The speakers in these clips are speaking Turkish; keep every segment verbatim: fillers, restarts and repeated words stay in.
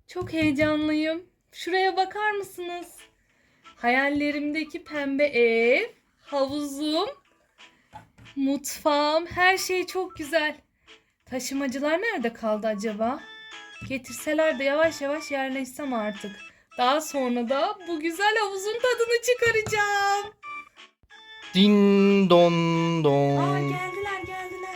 Çok heyecanlıyım. Şuraya bakar mısınız? Hayallerimdeki pembe ev, havuzum, mutfağım, her şey çok güzel. Taşımacılar nerede kaldı acaba? Getirseler de yavaş yavaş yerleşsem artık. Daha sonra da bu güzel havuzun tadını çıkaracağım. Din don Aa, don. geldiler geldiler.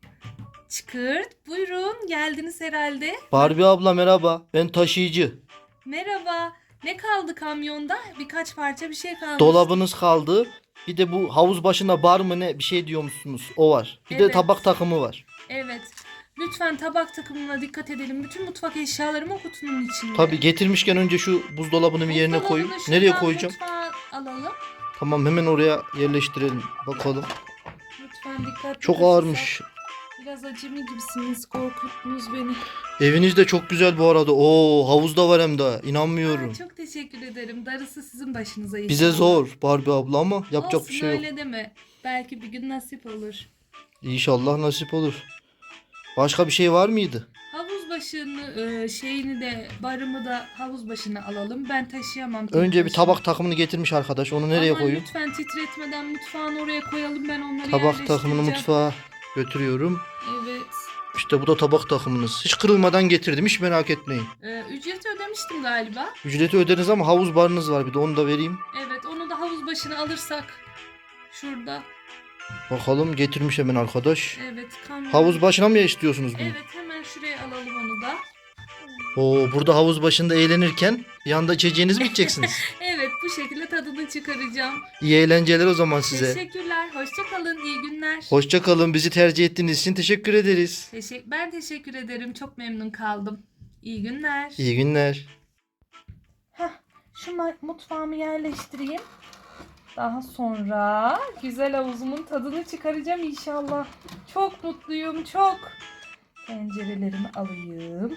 Çıkırt, buyurun, geldiniz herhalde. Barbie abla merhaba. Ben taşıyıcı. Merhaba. Ne kaldı kamyonda? Birkaç parça bir şey kalmış. Dolabınız kaldı. Bir de bu havuz başında bar mı ne bir şey diyormuşsunuz. O var. Bir de Evet. tabak takımı var. Evet. Lütfen tabak takımına dikkat edelim. Bütün mutfak eşyalarım o kutunun içinde. Tabii getirmişken önce şu buzdolabını bir yerine koyayım. Buzdolabını Nereye şuradan koyacağım? mutfağa alalım. Tamam hemen oraya yerleştirelim. Bakalım. Lütfen dikkatli Çok taşısak. ağırmış. Biraz acemi gibisiniz. Korkuttunuz beni. Eviniz de çok güzel bu arada. Oo havuz da var hem de. Aa, İnanmıyorum. çok teşekkür ederim. Darısı sizin başınıza inşallah. Bize zor Barbie abla ama yapacak Olsun, bir şey yok. öyle deme. Belki bir gün nasip olur. İnşallah nasip olur. Başka bir şey var mıydı? Havuz başını e, şeyini de barımı da havuz başına alalım. Ben taşıyamam. tek Önce bir başıma. tabak takımını getirmiş arkadaş. Onu nereye Aman koyayım? lütfen titretmeden mutfağın oraya koyalım. Ben onları Tabak takımını yerleştireceğim. mutfağa götürüyorum. Evet. İşte bu da tabak takımınız. Hiç kırılmadan getirdim. Hiç merak etmeyin. Ee, ücreti ödemiştim galiba. Ücreti öderiz ama havuz barınız var bir de onu da vereyim. Evet, onu da havuz başına alırsak. Şurada. Bakalım getirmiş hemen arkadaş. Evet, kamyon. Havuz başına mı istiyorsunuz bunu? Evet, hemen şuraya alalım onu da. Oo, burada havuz başında eğlenirken bir yanda içeceğiniz mi içeceksiniz? Evet, bu şekilde tadını çıkaracağım. İyi eğlenceler o zaman size. Teşekkürler. Hoşça kalın. İyi günler. Hoşça kalın. Bizi tercih ettiğiniz için teşekkür ederiz. Teşekkür ben teşekkür ederim. Çok memnun kaldım. İyi günler. İyi günler. Heh, şu ma- mutfağımı yerleştireyim. Daha sonra güzel havuzumun tadını çıkaracağım inşallah. Çok mutluyum, çok. Tencerelerimi alayım.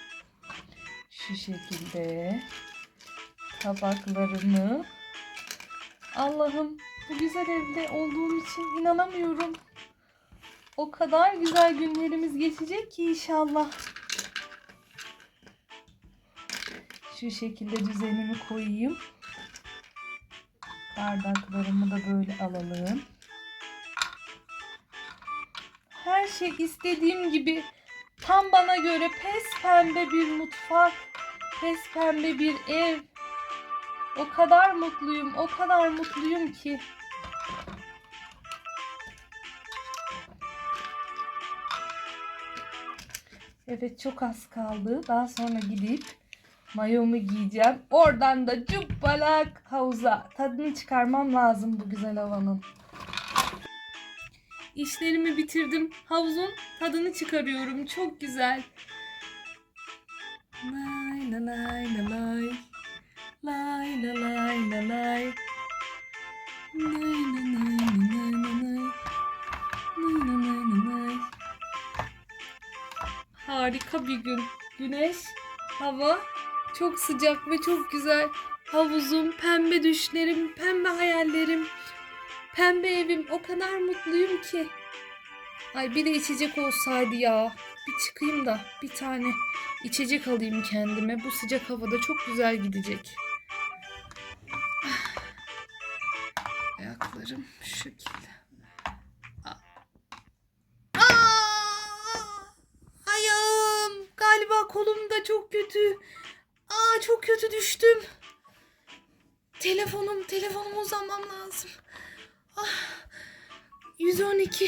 Şu şekilde. Tabaklarımı. Allah'ım, bu güzel evde olduğum için inanamıyorum. O kadar güzel günlerimiz geçecek ki inşallah. Şu şekilde düzenimi koyayım. Bardaklarımı da böyle alalım. Her şey istediğim gibi, tam bana göre pes pembe bir mutfak, pes pembe bir ev. O kadar mutluyum, o kadar mutluyum ki. Evet, çok az kaldı. Daha sonra gidip mayomu giyeceğim. Oradan da cupbalak havuza. Tadını çıkarmam lazım bu güzel havanın. İşlerimi bitirdim. Havuzun tadını çıkarıyorum. Çok güzel. Lay la lay la lay. Lay la lay la lay. Lay la lay la lay la lay. Lay la lay la lay. Harika bir gün. Güneş, hava çok sıcak ve çok güzel. Havuzum, pembe düşlerim, pembe hayallerim, pembe evim. O kadar mutluyum ki. Ay, bir de içecek olsaydı ya. Bir çıkayım da bir tane içecek alayım kendime. Bu sıcak havada çok güzel gidecek. Ah. Ayaklarım şu şekilde. Aa! Ayağım. Galiba kolum da çok kötü. Aa, çok kötü düştüm. Telefonum, telefonumu uzanmam lazım. Ah, yüz on iki.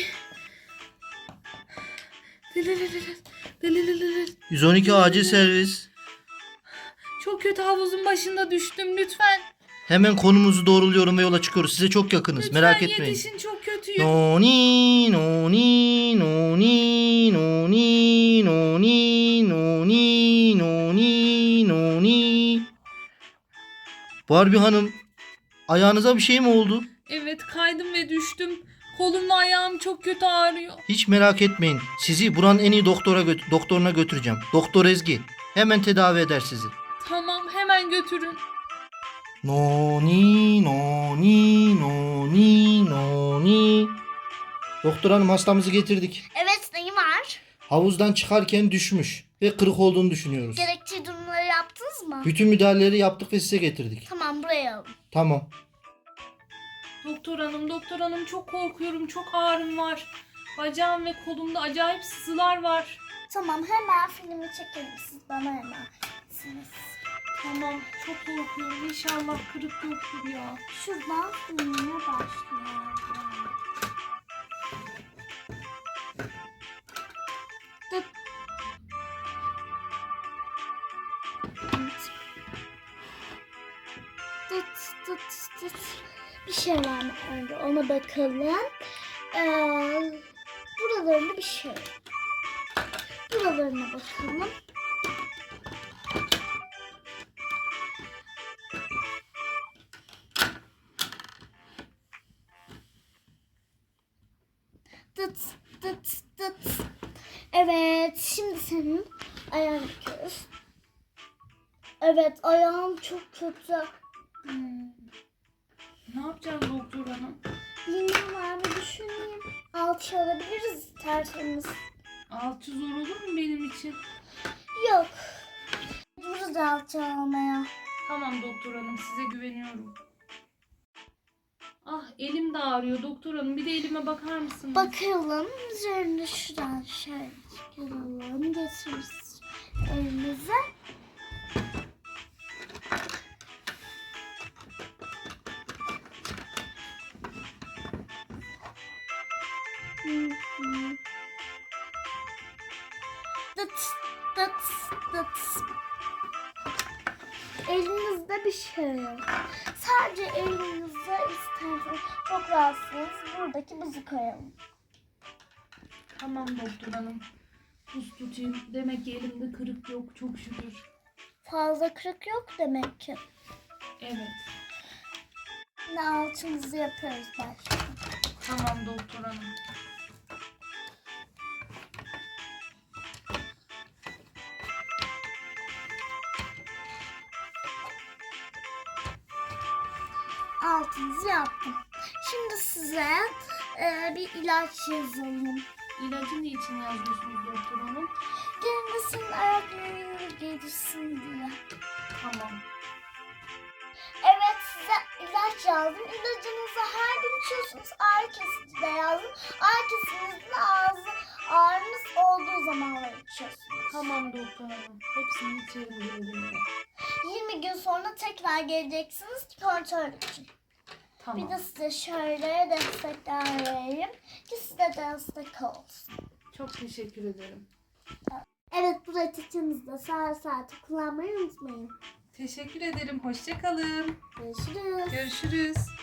yüz on iki acil servis. Çok kötü, havuzun başında düştüm. Lütfen. Hemen konumuzu doğruluyorum ve yola çıkıyoruz. Size çok yakınız. Lütfen Merak etmeyin. yetişin, çok kötüyüm. Noni noni noni noni noni noni noni noni. Barbie Hanım, ayağınıza bir şey mi oldu? Evet, kaydım ve düştüm. Kolum ve ayağım çok kötü ağrıyor. Hiç merak etmeyin. Sizi buranın en iyi doktora gö- doktoruna götüreceğim. Doktor Ezgi. Hemen tedavi eder sizi. Tamam, hemen götürün. Noni noni noni noni. Doktor hanım, hastamızı getirdik. Evet, neyi var? Havuzdan çıkarken düşmüş ve kırık olduğunu düşünüyoruz. Gerekli durumları yaptınız mı? Bütün müdahaleleri yaptık ve size getirdik. Tamam, buraya alın. Tamam. Doktor hanım, doktor hanım çok korkuyorum. Çok ağrım var. Bacağım ve kolumda acayip sızılar var. Tamam, hemen filmi çekelim. Siz bana hemen. Siz. Tamam, çok korkuyorum. İnşallah kırık yoktur ya. Şuradan filmine başlayalım. Tıt. Tıt tıt tıt. Bir şey var mı önce ona bakalım. Ee, buralarında bir şey. Buralarına bakalım. Tıt tıt tıt. Evet, şimdi senin ayağını bakıyoruz. Evet, ayağım çok kötü. Hmm. Ne yapacağız doktor hanım? Bilmem var mı düşüneyim. Alçı alabiliriz tertemiz. Alçı zor olur mu benim için? Yok. Dururuz alçı almaya. Tamam doktor hanım, size güveniyorum. Ah, elim de ağrıyor doktor hanım. Bir de elime bakar mısınız? Bakalım üzerine şuradan şöyle çıkaralım. Getiririz elimize. Hı hı. Dıt dıt dıt. Elinizde bir şey yok. Sadece elinizde isterseniz çok rahatsınız. Buradaki buzu koyalım. Tamam doktor hanım. Buz tutayım. Demek ki elimde kırık yok, çok şükür. Fazla kırık yok demek ki. Evet. Yine alçımızı yapıyoruz başta. Tamam doktor hanım. Altınızı yaptım. Şimdi size e, bir ilaç yazalım. İlacı ne için yazıyorsunuz doktor hanım? Gelmesin ayaklarını gelirsin diye. Tamam. Evet, size ilaç yazdım. İlacınızı her gün içiyorsunuz. Ağrı kesici de yazdım. Ağrı kesicinizin ağzı ağrınız olduğu zamanlar içiyorsunuz. Tamam doktor hanım. Hepsini içerim elimde. yirmi gün sonra tekrar geleceksiniz kontrol için. Tamam. Bir de size şöyle destekler vereyim ki size destek olsun. Çok teşekkür ederim. Evet, bu reçetemizde saat saati kullanmayı unutmayın. Teşekkür ederim. Hoşça kalın. Görüşürüz. Görüşürüz.